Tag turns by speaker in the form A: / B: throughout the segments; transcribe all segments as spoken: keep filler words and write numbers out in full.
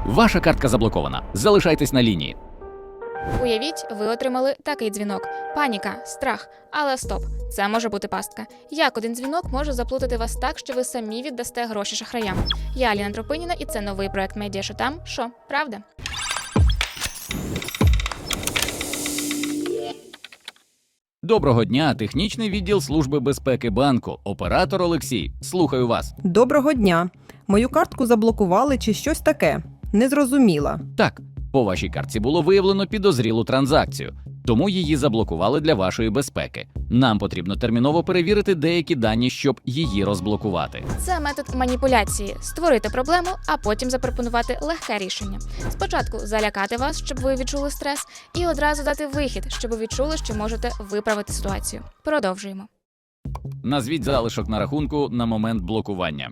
A: Ваша картка заблокована. Залишайтесь на лінії.
B: Уявіть, ви отримали такий дзвінок. Паніка, страх. Але стоп, це може бути пастка. Як один дзвінок може заплутати вас так, що ви самі віддасте гроші шахраям? Я Аліна Тропиніна, і це новий проект «Медіа Що там? Що? Правда?»
A: Доброго дня, технічний відділ Служби безпеки банку. Оператор Олексій. Слухаю вас.
C: Доброго дня. Мою картку заблокували чи щось таке? Не зрозуміла.
A: Так, по вашій картці було виявлено підозрілу транзакцію, тому її заблокували для вашої безпеки. Нам потрібно терміново перевірити деякі дані, щоб її розблокувати.
B: Це метод маніпуляції – створити проблему, а потім запропонувати легке рішення. Спочатку залякати вас, щоб ви відчули стрес, і одразу дати вихід, щоб ви відчули, що можете виправити ситуацію. Продовжуємо.
A: Назвіть залишок на рахунку на момент блокування.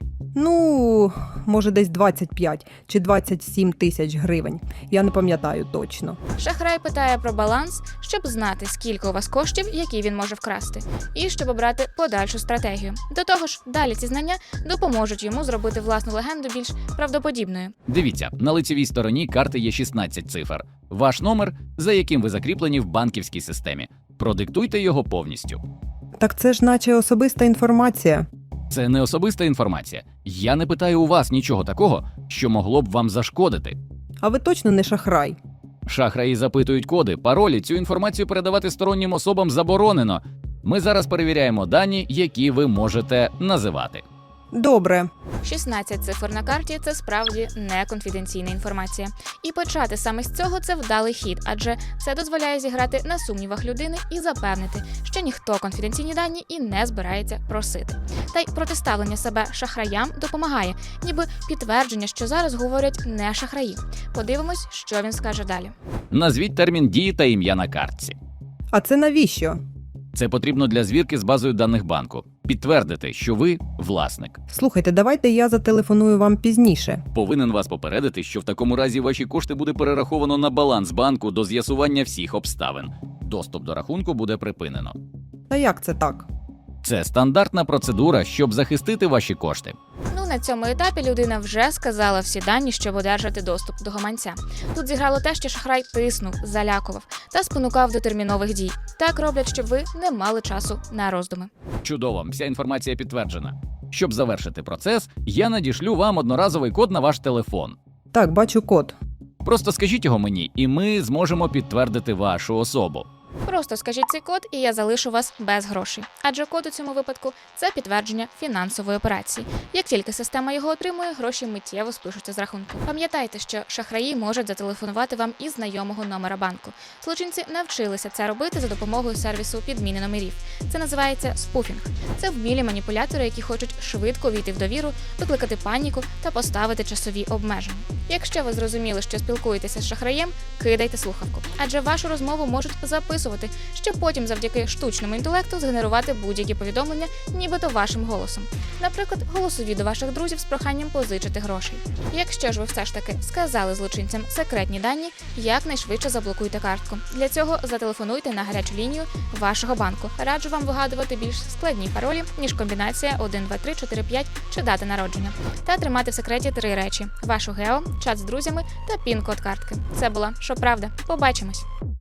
C: Ну, може десь двадцять п'ять чи двадцять сім тисяч гривень. Я не пам'ятаю точно.
B: Шахрай питає про баланс, щоб знати, скільки у вас коштів, які він може вкрасти, і щоб обрати подальшу стратегію. До того ж, далі ці знання допоможуть йому зробити власну легенду більш правдоподібною.
A: Дивіться, на лицевій стороні карти є шістнадцять цифр. Ваш номер, за яким ви закріплені в банківській системі. Продиктуйте його повністю.
C: Так це ж наче особиста інформація.
A: Це не особиста інформація. Я не питаю у вас нічого такого, що могло б вам зашкодити.
C: А ви точно не шахрай?
A: Шахраї запитують коди, паролі. Цю інформацію передавати стороннім особам заборонено. Ми зараз перевіряємо дані, які ви можете називати.
C: Добре.
B: шістнадцять цифр на карті – це справді не конфіденційна інформація. І почати саме з цього – це вдалий хід, адже це дозволяє зіграти на сумнівах людини і запевнити, що ніхто конфіденційні дані і не збирається просити. Та й протиставлення себе шахраям допомагає, ніби підтвердження, що зараз говорять не шахраї. Подивимось, що він скаже далі.
A: Назвіть термін дії та ім'я на картці.
C: А це навіщо?
A: Це потрібно для звірки з базою даних банку. Підтвердити, що ви власник.
C: Слухайте, давайте я зателефоную вам пізніше.
A: Повинен вас попередити, що в такому разі ваші кошти буде перераховано на баланс банку до з'ясування всіх обставин. Доступ до рахунку буде припинено.
C: Та як це так?
A: Це стандартна процедура, щоб захистити ваші кошти.
B: Ну, на цьому етапі людина вже сказала всі дані, щоб одержати доступ до гаманця. Тут зіграло те, що шахрай тиснув, залякував та спонукав до термінових дій. Так роблять, щоб ви не мали часу на роздуми.
A: Чудово, вся інформація підтверджена. Щоб завершити процес, я надішлю вам одноразовий код на ваш телефон.
C: Так, бачу код.
A: Просто скажіть його мені, і ми зможемо підтвердити вашу особу.
B: Просто скажіть цей код, і я залишу вас без грошей. Адже код у цьому випадку – це підтвердження фінансової операції. Як тільки система його отримує, гроші миттєво спишуться з рахунку. Пам'ятайте, що шахраї можуть зателефонувати вам із знайомого номера банку. Злочинці навчилися це робити за допомогою сервісу підміни номерів. Це називається спуфінг. Це вмілі маніпулятори, які хочуть швидко війти в довіру, викликати паніку та поставити часові обмеження. Якщо ви зрозуміли, що спілкуєтеся з шахраєм, кидайте слухавку. Адже вашу розмову можуть записувати, щоб потім завдяки штучному інтелекту згенерувати будь-які повідомлення, нібито вашим голосом. Наприклад, голосові до ваших друзів з проханням позичити грошей. Якщо ж ви все ж таки сказали злочинцям секретні дані, якнайшвидше заблокуйте картку. Для цього зателефонуйте на гарячу лінію вашого банку. Раджу вам вигадувати більш складні паролі, ніж комбінація один, два, три, чотири, п'ять чи дата народження. Та тримати в секреті три речі – вашу гео, чат з друзями та пін-код картки. Це була «Що правда?». Побачимось!